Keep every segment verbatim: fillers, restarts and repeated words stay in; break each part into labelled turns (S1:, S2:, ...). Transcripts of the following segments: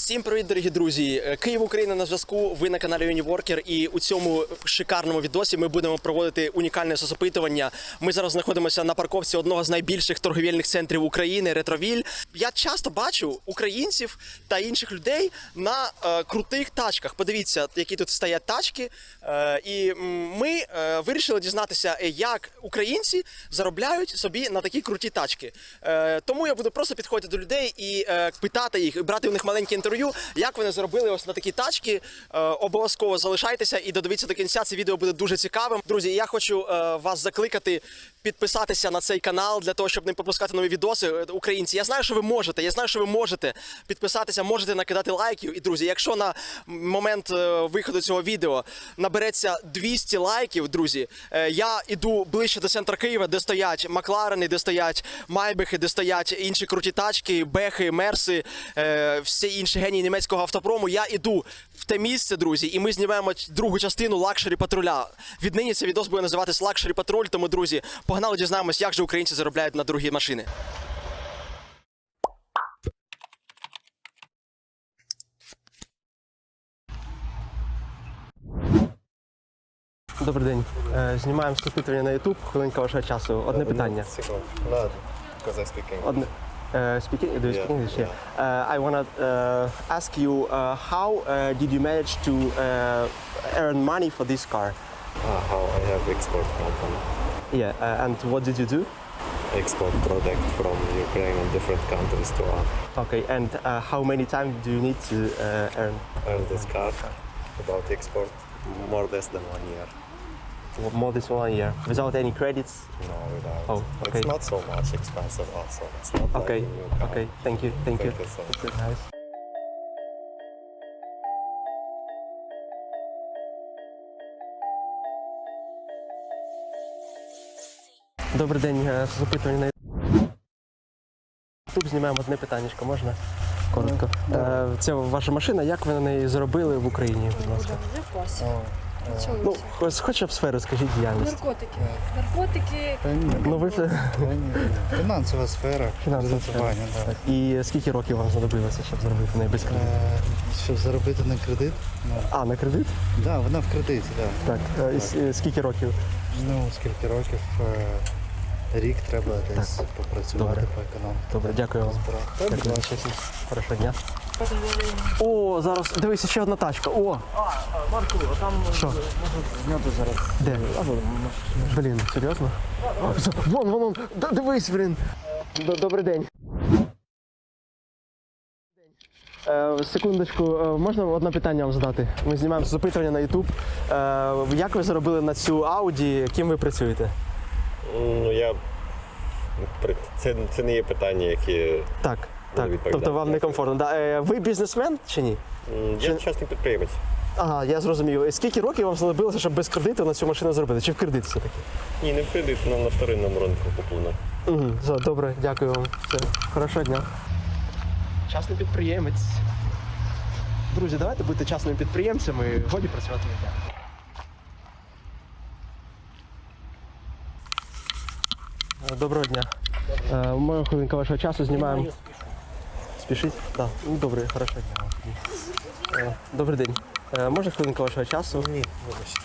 S1: Всім привіт, дорогі друзі! Київ, Україна на зв'язку, ви на каналі Uniworker, і у цьому шикарному відосі ми будемо проводити унікальне соцопитування. Ми зараз знаходимося на парковці одного з найбільших торговельних центрів України – Ретровіль. Я часто бачу українців та інших людей на е, крутих тачках. Подивіться, які тут стоять тачки. Е, і ми е, вирішили дізнатися, як українці заробляють собі на такі круті тачки. Е, тому я буду просто підходити до людей і е, питати їх, і брати у них маленькі інтерв'ю, як вони заробили ось на такі тачки. Е, обов'язково залишайтеся і додивіться до кінця, це відео буде дуже цікавим. Друзі, я хочу е, вас закликати підписатися на цей канал для того, щоб не пропускати нові відоси. Українці, я знаю, що ви можете, я знаю, що ви можете підписатися, можете накидати лайків. І, друзі, якщо на момент е, виходу цього відео набереться двісті лайків, друзі, е, я іду ближче до центру Києва, де стоять Макларени, де стоять Майбехи, де стоять інші круті тачки, Бехи, Мерси, е, всі інші генії німецького автопрому. Я іду в те місце, друзі, і ми знімаємо другу частину лакшері патруля. Віднині цей відос буде називатись лакшері патруль, тому, друзі, погнали дізнаємось, як же українці заробляють на дорогі машини. Добрий день. Знімаємо опитування на YouTube. Хвилинка вашого часу. Одне питання. Одне. Uh, speaking, do you speak
S2: Yeah,
S1: English?
S2: yeah.
S1: Uh, I want to uh, ask you, uh, how uh, did you manage to uh, earn money for this car?
S2: Uh, how I have export company.
S1: Yeah, uh, and what did you do?
S2: Export product from Ukraine and different countries to us.
S1: Okay, and uh, how many times do you need to uh, earn?
S2: Earn this car about export more less than one year.
S1: More than one year, without any credits?
S2: No, without.
S1: Oh, okay.
S2: It's not so much expensive also. It's not
S1: Okay,
S2: like a new car.
S1: okay, thank you, thank you.
S2: Thank you so much.
S1: That's nice. Добрий день, запитування на YouTube. Знімаємо одне питаннячко, можна? Коротко. Е, Це ваша машина, як ви на неї заробили в Україні, будь ласка?
S3: Я в класі.
S1: Ну,
S3: Вчилася.
S1: хоч- хоча б сферу, скажіть, діяльність.
S3: Наркотики. Наркотики.
S4: Та ні,
S1: Ну, ви це...
S4: фінансова сфера,
S1: Фінансова
S4: кредитування,
S1: сфера.
S4: да.
S1: І скільки років вам знадобилося, щоб заробити на неї без кредиту?
S4: Е, Щоб заробити на кредит, ну,
S1: А, на кредит?
S4: да, вона в кредиті, да.
S1: Так. Е, і с- е, Скільки років?
S4: Ну, скільки років, е, рік треба десь попрацювати,
S1: Добре.
S4: поекономити.
S1: Добре, дякую вам.
S4: Збирати.
S1: Дякую вам, чесно. Хорошого дня. О, зараз, дивися, ще одна тачка. О,
S5: Марку, а там
S1: що?
S5: можна зняти зараз.
S1: Де? Блін, серйозно? А, за- Вон, вон, вон, Д- дивись, блін. Д- Добрий день. Е, секундочку, е, можна одне питання вам задати? Ми знімаємо запитання на YouTube. Е, як ви заробили на цю Audi, ким ви працюєте?
S2: Ну, я... Це, це не є питання, які...
S1: Так, так.
S2: відповідати.
S1: Тобто вам некомфортно. Да. Е, ви бізнесмен чи ні?
S2: М, Я частний підприємець.
S1: Ага, я зрозумів. Скільки років вам знадобилося, щоб без кредиту на цю машину зробити? Чи в кредит все-таки?
S2: Ні, не в кредит, але на вторинному ринку куплено.
S1: Угу, все, добре, дякую вам. Все, хорошого дня. Частний підприємець. Друзі, давайте будьте частними підприємцями, годі працювати на дня. Доброго дня. Е, Моя хвилинка вашого часу знімаємо. Спішіть? Так. Ну, добре, хорошого дня. Е, Добрий день. Е, Можна хвилинка вашого часу? Ні, вибачте.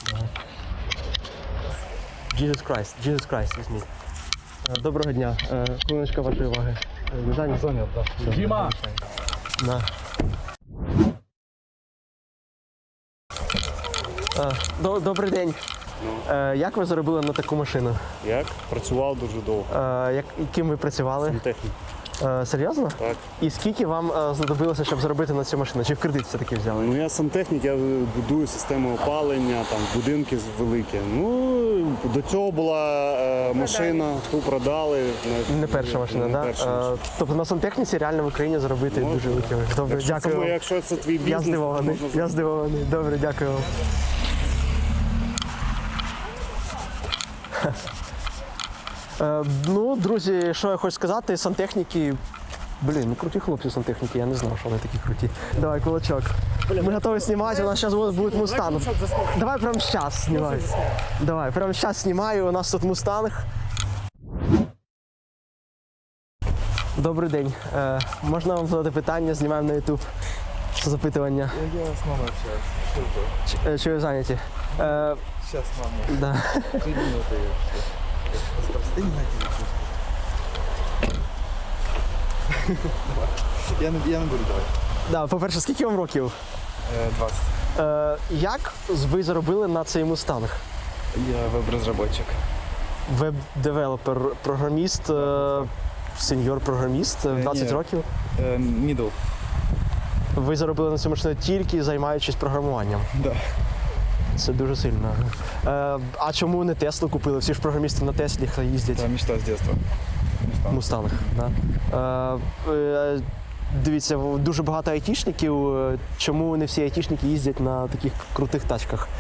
S1: Jesus Christ, Jesus Christ, візьміть. Е, Доброго дня. Е, Хвилиночка вашої уваги. Е, Не зайняті?
S4: Зайнят, так.
S5: Діма!
S1: На. Е, до- Добрий день. Е, Як ви заробили на таку машину?
S6: Як? Працював дуже довго.
S1: Е, Як, ким ви працювали?
S6: Технік.
S1: Е, Серйозно?
S6: Так.
S1: І скільки вам е, знадобилося, щоб заробити на цю машину? Чи в кредит все-таки взяли?
S6: Ну я сантехнік, я будую систему опалення, там будинки великі. Ну до цього була е, машина, ту продали.
S1: Не перша машина,
S6: не
S1: так?
S6: перша
S1: Да?
S6: машина.
S1: Е, Тобто на сантехніці реально в Україні заробити
S6: Можна,
S1: дуже великі гроші. Добре,
S6: Якщо
S1: дякую
S6: це,
S1: вам.
S6: якщо це твій
S1: Я
S6: бізнес,
S1: здивований,
S6: можна
S1: я здивований. Добре, дякую вам. Е, ну, друзі, що я хочу сказати, сантехніки, блін, ну круті хлопці сантехніки, я не знав, що вони такі круті. Давай, кулачок. Ми готові знімати, у нас зараз буде мустанг. Давай прямо зараз знімай. Давай, прямо зараз знімаю, у нас тут мустанг. Добрий день. Е, можна вам задати питання, знімаємо на YouTube. запитування.
S5: Я с мамой общаюсь. Что это?
S1: Чи, е, чи ви зайняті? Е,
S5: Сейчас мама.
S1: да.
S5: Три минуты. Ты не найти. Я не, я не буду давай.
S1: Да, по-перше, скільки вам років?
S5: двадцать.
S1: Е, як ви заробили на цей мустанг?
S5: Я веб-разработчик.
S1: Веб-девелопер, програміст, е, сеньор-програміст, в двадцять
S5: ні.
S1: років.
S5: Middle.
S1: Ви заробили на цю машину тільки займаючись програмуванням.
S5: Да.
S1: Це дуже сильно. Е, а чому не Теслу купили? Всі ж програмісти на Теслі їздять.
S5: Это мечта с детства. Мустанг.
S1: Мустанг. Да. Е, е, дивіться, дуже багато айтішників. Чому не всі айтішники їздять на таких крутих тачках?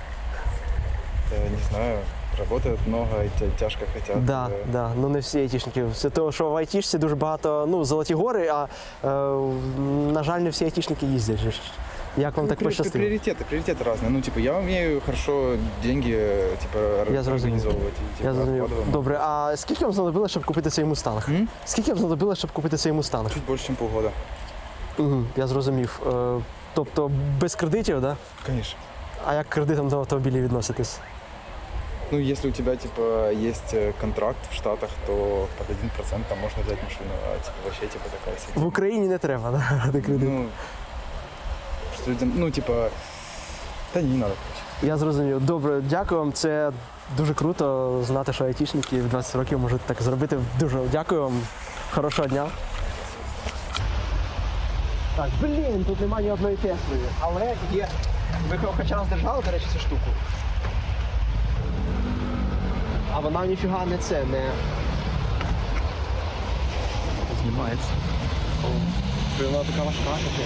S5: Я не знаю. Работают много, и тя- тяжко хотят.
S1: Да,
S5: э,
S1: да, ну не всі айтішники. Все того, що в айтішці дуже багато, ну, золоті гори, а е, на жаль, не всі айтішники їздять. же ж. Як вам
S5: ну,
S1: так
S5: при-
S1: пощастило?
S5: Приоритеты, приоритеты разные. Ну, типа, я умею хорошо деньги, э, типа, ор-
S1: Я зрозумів.
S5: организовывать. И, типа,
S1: Я зрозумів.
S5: откладываем.
S1: Добре, а скільки вам знадобилося, щоб купити цей мустанг?
S5: М?
S1: Скільки вам знадобилося, щоб купити цей мустанг?
S5: Чуть больше, чем полгода.
S1: Угу, я зрозумів. Е, тобто без кредитів, да?
S5: Конечно.
S1: А як к кредитам до автомобілів відноситесь?
S5: Ну, если у тебя, типа, есть э, контракт в Штатах, то под один процент там можно взять машину, а, типа, вообще, типа, такая
S1: В
S5: себе.
S1: Україні не треба, да, брати кредит.
S5: Ну, что людям, ну, типа, да не надо, короче.
S1: Я зрозумів. Добре, дякую вам. Це дуже круто знати, що айтішники в двадцять років можуть так зробити. Дуже дякую вам. Хорошого дня. Так, блін, тут немає ні одної Тесли. Але є. Ви хоч раз держали, до речі, цю штуку. А вона ніфіга не це, не. Знімається. Вона така важка таке.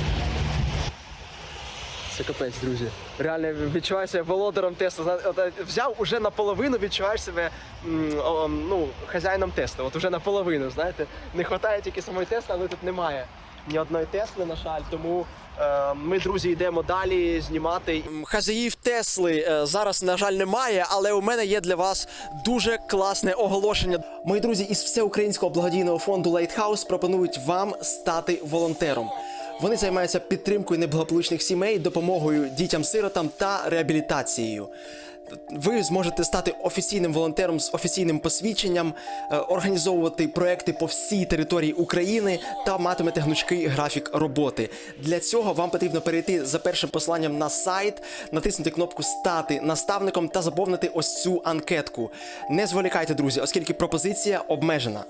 S1: Це капець, друзі. Реально відчуваю себе володарем Тесла. Зна- от, е, Взяв уже наполовину, відчуваєш себе м, о, ну, хазяїном Тесла. От уже наполовину, знаєте. Не вистачає тільки самої Тесли, але тут немає ні одної Тесли, на жаль. Тому е, ми, друзі, йдемо далі знімати. Хазяїв Тесли е, зараз, на жаль, немає, але у мене є для вас дуже класне оголошення. Мої друзі із всеукраїнського благодійного фонду Lighthouse пропонують вам стати волонтером. Вони займаються підтримкою неблагополучних сімей, допомогою дітям-сиротам та реабілітацією. Ви зможете стати офіційним волонтером з офіційним посвідченням, е, організовувати проекти по всій території України та матимете гнучкий графік роботи. Для цього вам потрібно перейти за першим посиланням на сайт, натиснути кнопку «Стати наставником» та заповнити ось цю анкетку. Не зволікайте, друзі, оскільки пропозиція обмежена.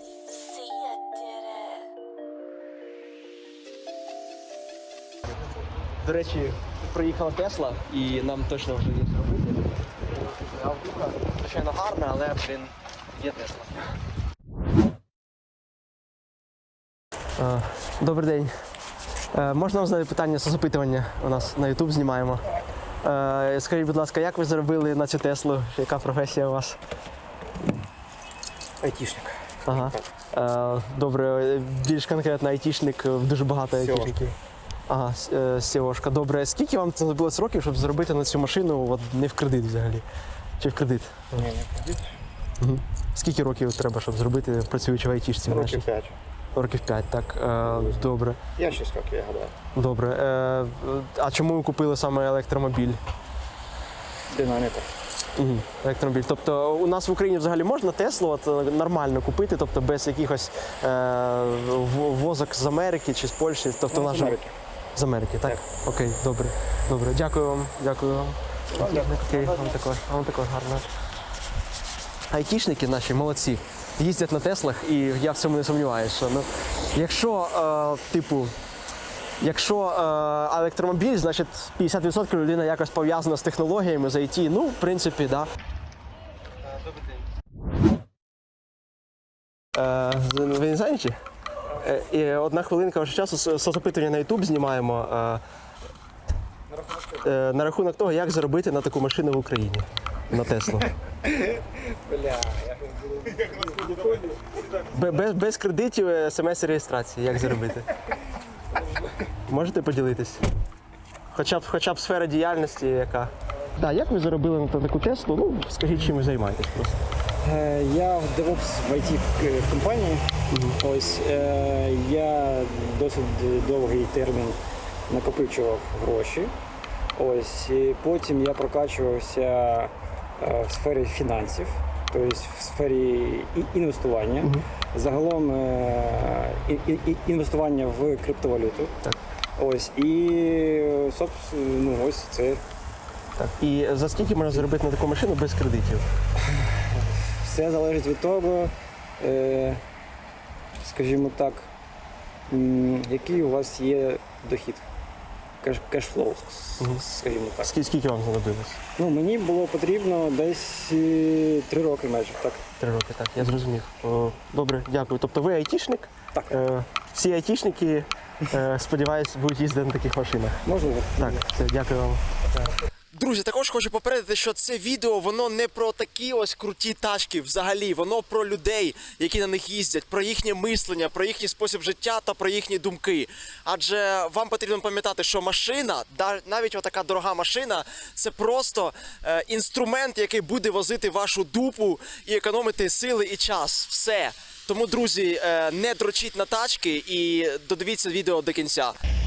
S1: До речі, приїхала Тесла і нам точно вже є зробити. Автуха, звичайно, гарна, але, блін, є Тесла. Добрий день. Е, Можна вам задати питання з запитування? У нас на YouTube знімаємо. Е, Скажіть, будь ласка, як ви заробили на цю Теслу? Яка професія у вас?
S4: Айтішник.
S1: Ага. Е, Добре, більш конкретно айтішник, дуже багато айтішників. Ага, с- е, сіошка. Добре, скільки вам знадобилось років, щоб заробити на цю машину от, не в кредит взагалі? Чи в кредит?
S2: Ні, не кредит.
S1: Угу. Скільки років треба, щоб зробити, працюючи в айтішці? в нашій?
S2: Років п'ять.
S1: Років п'ять, так. Е, добре.
S2: Я шість років, я гадаю.
S1: Добре. Е, а чому ви купили саме електромобіль?
S2: Динаміка.
S1: Угу. Електромобіль. Тобто у нас в Україні взагалі можна Теслу от, е, нормально купити, тобто без якихось е, в- возок з Америки чи з Польщі? Тобто
S2: Ну,
S1: в
S2: з
S1: нашому-
S2: Америки.
S1: З Америки, так? Окей, добре. Добре. Дякую вам. Дякую вам. Окей, вам також. Вам також гарно. Айтішники наші молодці. Їздять на Теслах, і я в цьому не сумніваюся. Що, ну, якщо, е, типу, якщо е, електромобіль, значить п'ятдесят відсотків людина якось пов'язана з технологіями, з ай ті, ну, в принципі, так. Да. Е, ви не знаєте? Е, і одна хвилинка вашого часу с- соцопитування на YouTube знімаємо е, е, на рахунок того, як заробити на таку машину в Україні. На Теслу. Бе- Без, без кредитів, смс і реєстрації. Як заробити? Можете поділитись? Хоча б, хоча б сфера діяльності яка. Так, як ви заробили на таку Теслу? Ну, скажіть, чим ви займаєтесь просто.
S7: Е, Я в DevOps в ай ті компанії. Ось е, я досить довгий термін накопичував гроші. Ось, і потім я прокачувався е, в сфері фінансів, тобто в сфері і- інвестування. Загалом е, і- і- і- інвестування в криптовалюту.
S1: Так.
S7: Ось, і собственно, ну, ось це
S1: Так. І за скільки можна заробити на таку машину без кредитів?
S7: все залежить від того, е, скажімо так, м, який у вас є дохід. Кеш, кешфлоу,
S1: Мгм.
S7: скажімо так.
S1: Скільки, скільки вам знадобилось?
S7: Ну, мені було потрібно десь е, три роки майже, так.
S1: Три роки, так, я зрозумів. О, добре, дякую. Тобто ви айтішник?
S7: Так.
S1: Е, всі айтішники, е, сподіваюсь, будуть їздити на таких машинах.
S7: Можливо.
S1: Так, все, дякую вам. Друзі, також хочу попередити, що це відео воно не про такі ось круті тачки взагалі, воно про людей, які на них їздять, про їхнє мислення, про їхній спосіб життя та про їхні думки. Адже вам потрібно пам'ятати, що машина, да- навіть отака дорога машина, це просто е, інструмент, який буде возити вашу дупу і економити сили і час. Все. Тому, друзі, е, не дрочіть на тачки і додивіться відео до кінця.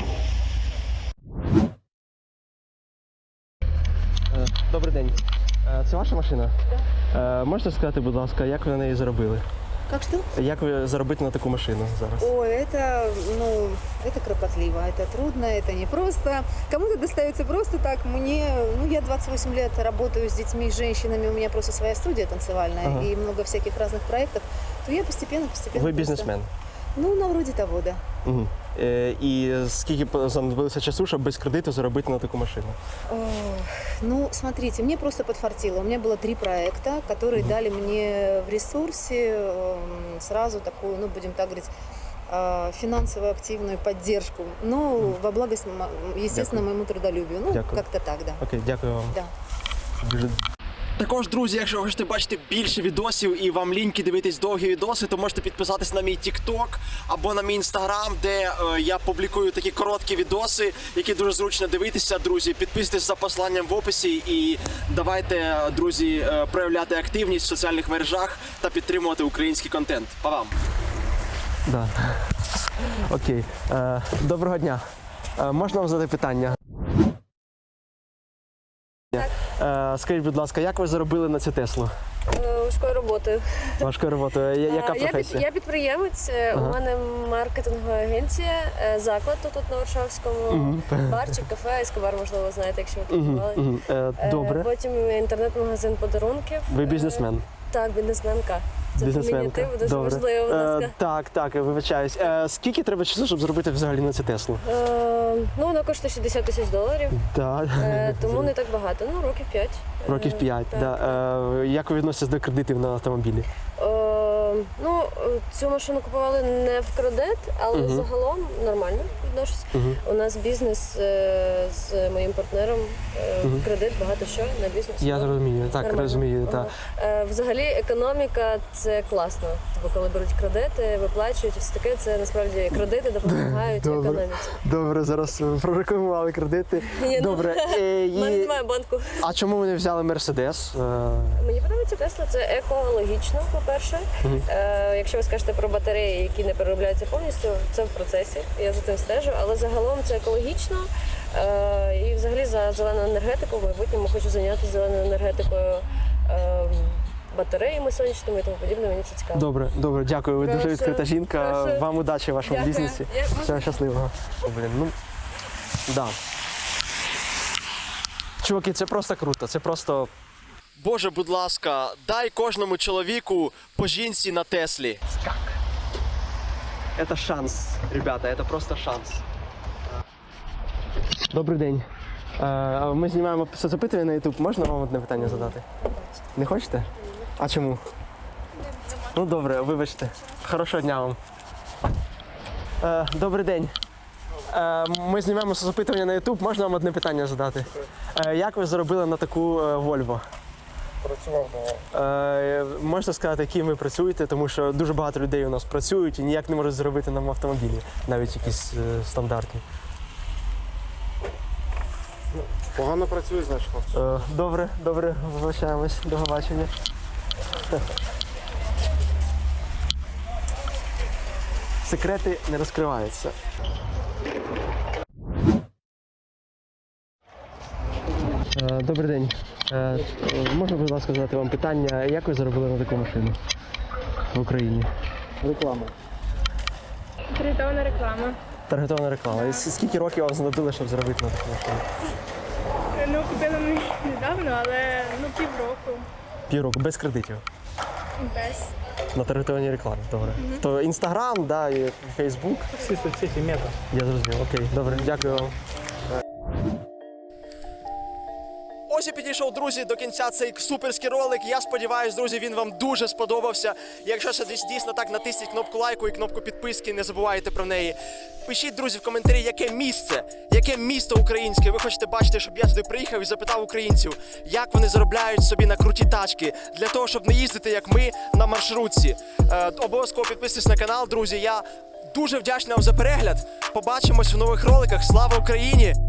S1: Добрий день. Це ваша машина? Так. Можете сказати, будь ласка, як ви на неї заробили?
S8: Как что?
S1: Як ви заробите на таку машину зараз?
S8: Ой, это, ну, это кропотливо, это трудно, это непросто. Кому-то достается просто так. Мне, ну, я двадцать восемь лет работаю с детьми, с женщинами, у меня просто своя студия танцевальная
S1: Ага.
S8: и много всяких разных проектов. То я постепенно, постепенно.
S1: Ви
S8: просто-
S1: бізнесмен.
S8: Ну, на вроде того, да.
S1: Угу. Е, і скільки по- знадобилося часу, щоб без кредиту заробити на таку машину?
S8: Ох, ну, смотрите, мне просто подфартило. У меня было три проекта, которые дали мне в ресурсе эм, сразу такую, ну, будем так говорить, э, финансовую активную поддержку. Но во благость, м- естественно, моему трудолюбию. Ну,
S1: Дякую.
S8: как-то так, да.
S1: Окей, дякую вам.
S8: Да.
S1: Дуже. Також, друзі, якщо ви хочете бачити більше відосів і вам ліньки дивитись довгі відоси, то можете підписатись на мій TikTok або на мій Instagram, де е, я публікую такі короткі відоси, які дуже зручно дивитися, друзі. Підписуйтесь за посиланням в описі і давайте, друзі, е, проявляти активність в соціальних мережах та підтримувати український контент. Па вам! Да. Окей. Е, доброго дня. Е, можна вам задати питання? Е, скажіть, будь ласка, як ви заробили на цю Теслу?
S9: Важкою роботою.
S1: Важкою роботою. Я- Яка
S9: Е, я, під,
S1: професія?
S9: я підприємець, е,
S1: Ага.
S9: у мене маркетингова агенція, е, заклад тут на Варшавському,
S1: Мгм.
S9: барчик, кафе, Ескобар, можливо, знаєте, якщо ви
S1: Мгм,
S9: купували.
S1: мгм. Е,
S9: Е,
S1: Добре.
S9: Потім інтернет-магазин подарунків.
S1: Ви
S9: Е,
S1: бізнесмен.
S9: Так, бізнесменка. Це
S1: Бізнесменка.
S9: фемінітив, дуже
S1: Добре.
S9: важливо, будь ласка.
S1: Е, так, так, вибачаюсь. Е, скільки треба часу, щоб зробити взагалі на цю Теслу?
S9: Е, ну, вона коштує шістдесят тисяч доларів,
S1: Так.
S9: е, тому не так багато. Ну, років п'ять.
S1: Років
S9: Е,
S1: п'ять.
S9: так.
S1: Да. Е, як ви відноситесь до кредитів на автомобілі?
S9: Е, ну, е, цю машину купували не в кредит, але
S1: Мгм.
S9: загалом нормально відношусь.
S1: Мгм.
S9: У нас бізнес е, з моїм партнером, е,
S1: Мгм.
S9: в кредит, багато що на бізнес.
S1: Я
S9: Ну,
S1: розумію, так,
S9: нормально.
S1: розумію.
S9: Ага.
S1: Так.
S9: Е, Взагалі економіка це класно. Бо коли беруть кредити, виплачують і все таке, це насправді кредити допомагають
S1: Добре.
S9: економіці.
S1: Добре, зараз ви прорекламували кредити.
S9: Ні, ну,
S1: Добре. Е,
S9: У мене
S1: і...
S9: немає банку.
S1: А чому ви не взяли Мерседес? Е,
S9: Мені подобається Тесла, це екологічно, по-перше.
S1: Мгм.
S9: Е, якщо ви скажете про батареї, які не переробляються повністю, це в процесі, я за цим стежу, але загалом це екологічно. Е, і взагалі за зелену енергетику в майбутньому хочу зайнятися зеленою енергетикою, е, батареями сонячними і тому подібне, мені це цікаво.
S1: Добре, добре, дякую. Ви дуже
S9: Прошу,
S1: відкрита жінка.
S9: прошу.
S1: Вам удачі в вашому
S9: Дякую.
S1: бізнесі.
S9: Я-
S1: Всього щасливого. О, блін, ну да. Чуваки, це просто круто. Це просто. Боже, будь ласка, дай кожному чоловіку по жінці на Теслі. Скак. Це шанс, ребята, це просто шанс. Добрий день. Е, Ми знімаємо соцопитування на YouTube. Можна вам одне питання задати? Не хочете? А чому? Ну добре, вибачте. Хорошого дня вам. Е, добрий день. Е, ми знімаємо соцопитування на YouTube. Можна вам одне питання задати? Е, як ви заробили на таку е, Volvo?
S5: Працював до
S1: Е, можете сказати, яким ви працюєте, тому що дуже багато людей у нас працюють і ніяк не можуть заробити на автомобілі, навіть якісь е, стандартні.
S6: Погано працює, значить, хлопці.
S1: Е, добре, добре, вибачаємось. До побачення. Секрети не розкриваються. Е, Добрий день. Е, Можна, будь ласка, задати вам питання, як ви заробили на таку машину в Україні?
S7: Реклама.
S3: Таргетована реклама.
S1: Таргетована реклама. І с- скільки років вам знадобило, щоб заробити на таку машину?
S3: Ну, купила ми недавно, але ну півроку.
S1: Півроку, без кредитів.
S3: Без.
S1: На таргетованій рекламі, добре. То Інстаграм, да, і Фейсбук.
S7: Всі соцсеті мета.
S1: Я зрозумів, окей, добре, дякую вам. Ось і підійшов, друзі, до кінця цей суперський ролик. Я сподіваюся, друзі, він вам дуже сподобався. Якщо це десь дійсно так, натисніть кнопку лайку і кнопку підписки, не забувайте про неї. Пишіть, друзі, в коментарі, яке місце, яке місто українське ви хочете бачити, щоб я туди приїхав і запитав українців, як вони заробляють собі на круті тачки, для того, щоб не їздити, як ми, на маршрутці. Е, обов'язково підписуйтесь на канал, друзі. Я дуже вдячний вам за перегляд. Побачимось в нових роликах. Слава Україні!